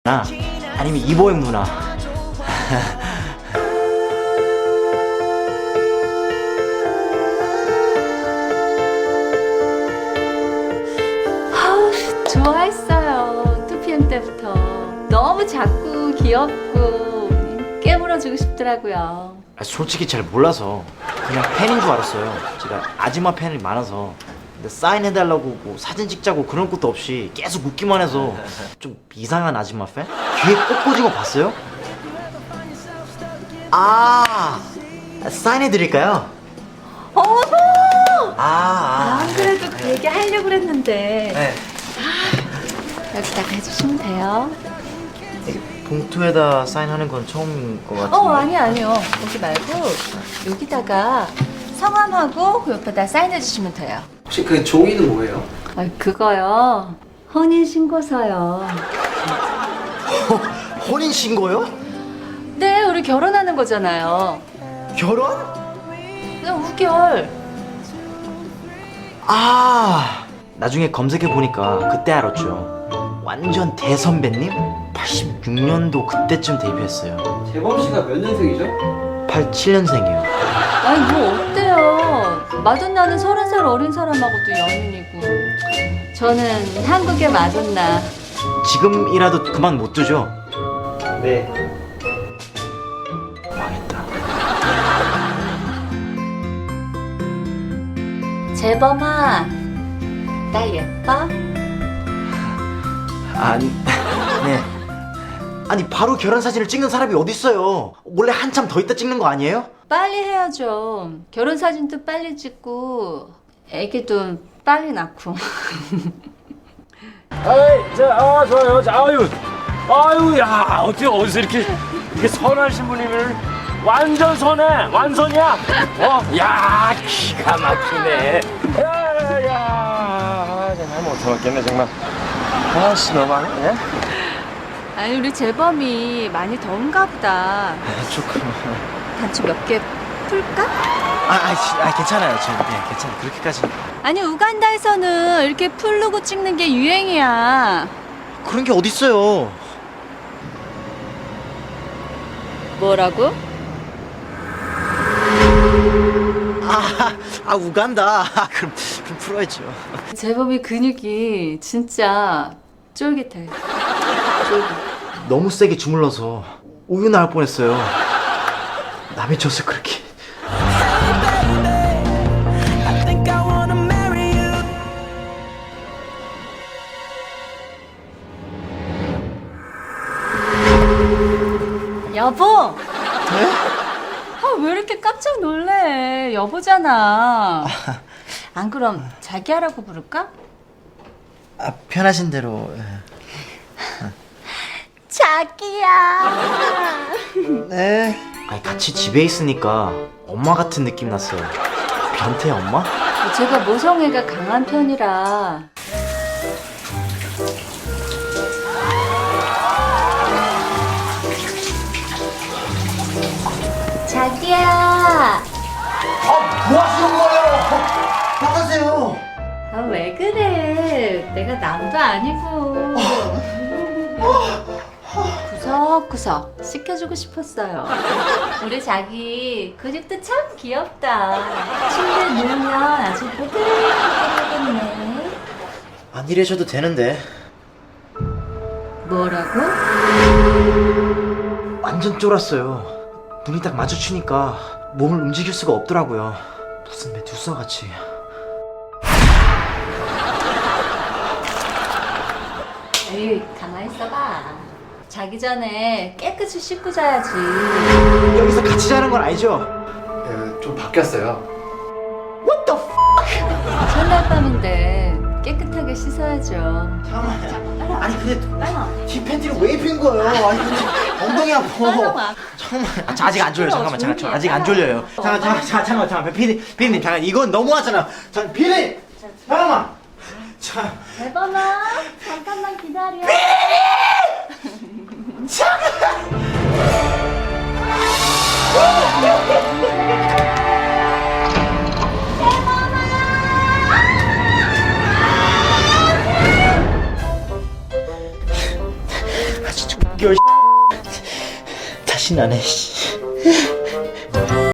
나 아니면 이보영 누나. 좋아했어요. 2PM 때부터 너무 작고 귀엽고 깨물어주고 싶더라고요. 솔직히 잘 몰라서 그냥 팬인 줄 알았어요. 제가 아줌마 팬이 많아서. 근데 사인해달라고 뭐 사진 찍자고 그런 것도 없이 계속 웃기만 해서 좀 이상한 아줌마 팬? 귀에 꽂 꽂은 거 봤어요? 사인해드릴까요? 어머! 아, 안 그래도 그 얘기 하려고 그랬는데 네. 여기다가 해주시면 돼요. 봉투에다 사인하는 건 처음인 것 같은데. 아니요. 거기 말고 여기다가 성함하고 그 옆에다 사인해주시면 돼요. 혹시 그 종이는 뭐예요? 그거요. 혼인신고서요. 혼인신고요? 네, 우리 결혼하는 거잖아요. 결혼? 그냥 우결. 나중에 검색해보니까 그때 알았죠. 완전 대선배님? 86년도 그때쯤 데뷔했어요. 재범 씨가 몇 년생이죠? 87년생이요. 아니 뭐 어때요? 마돈나는 30살 어린 사람하고도 연인이고 저는 한국의 마돈나. 지금이라도 그만 못 두죠? 네. 망했다. 재범아, 나 예뻐? 네. 아니 바로 결혼 사진을 찍는 사람이 어딨어요. 원래 한참 더 있다 찍는 거 아니에요? 빨리 해야죠. 결혼 사진도 빨리 찍고 애기도 빨리 낳고. 좋아요. 야, 어떻게 어디서 이렇게 선하신 분이면 완전 선해, 완선이야. 야, 기가 막히네. 정말 못 참았겠네, 정말. 아씨, 너무하네. 아니 우리 재범이 많이 더운가 보다. 조금. 단추 몇 개 풀까? 괜찮아요. 괜찮아요. 그렇게까지. 아니 우간다에서는 이렇게 풀르고 찍는 게 유행이야. 그런 게 어딨어요. 뭐라고? 우간다. 그럼 풀어야죠. 재범이 근육이 진짜 쫄깃해. 쫄깃. 너무 세게 주물러서 우유 나올 뻔했어요. 남의 젖을 그렇게. 여보! 왜 이렇게 깜짝 놀래? 여보잖아. 안 그럼 자기야라고 부를까? 편하신 대로. 자기야. 네. 같이 집에 있으니까 엄마 같은 느낌 났어요. 변태 엄마? 제가 모성애가 강한 편이라. 자기야. 뭐 하시는 거예요? 나가세요. 왜 그래? 내가 남도 아니고. 구석구석 씻겨주고 싶었어요. 우리 자기 근육도 참 귀엽다. 침대에 누우면 아주 보들보들하겠네. 안 이래셔도 되는데. 뭐라고? 완전 쫄았어요. 눈이 딱 마주치니까 몸을 움직일 수가 없더라고요. 무슨 메두사같이. 에이, 가만히 있어봐. 자기 전에 깨끗이 씻고 자야지. 여기서 같이 자는 건 알죠? 좀 바뀌었어요. What the f? 첫날 밤인데 깨끗하게 씻어야죠. 잠깐만. 아니 근데 빨리 와. 티 팬티를 왜 입힌 거예요? 아니 근데 엉덩이 아파. 빨리 와. 잠깐만. 아직 안 졸려요. 잠깐만. 조용히 해. 아직 안 졸려요. 잠깐만. 피디님 잠깐 이건 너무하잖아. 피디님 잠깐만. 대범아, 잠깐만 기다려. 6개월 다시는 안 해.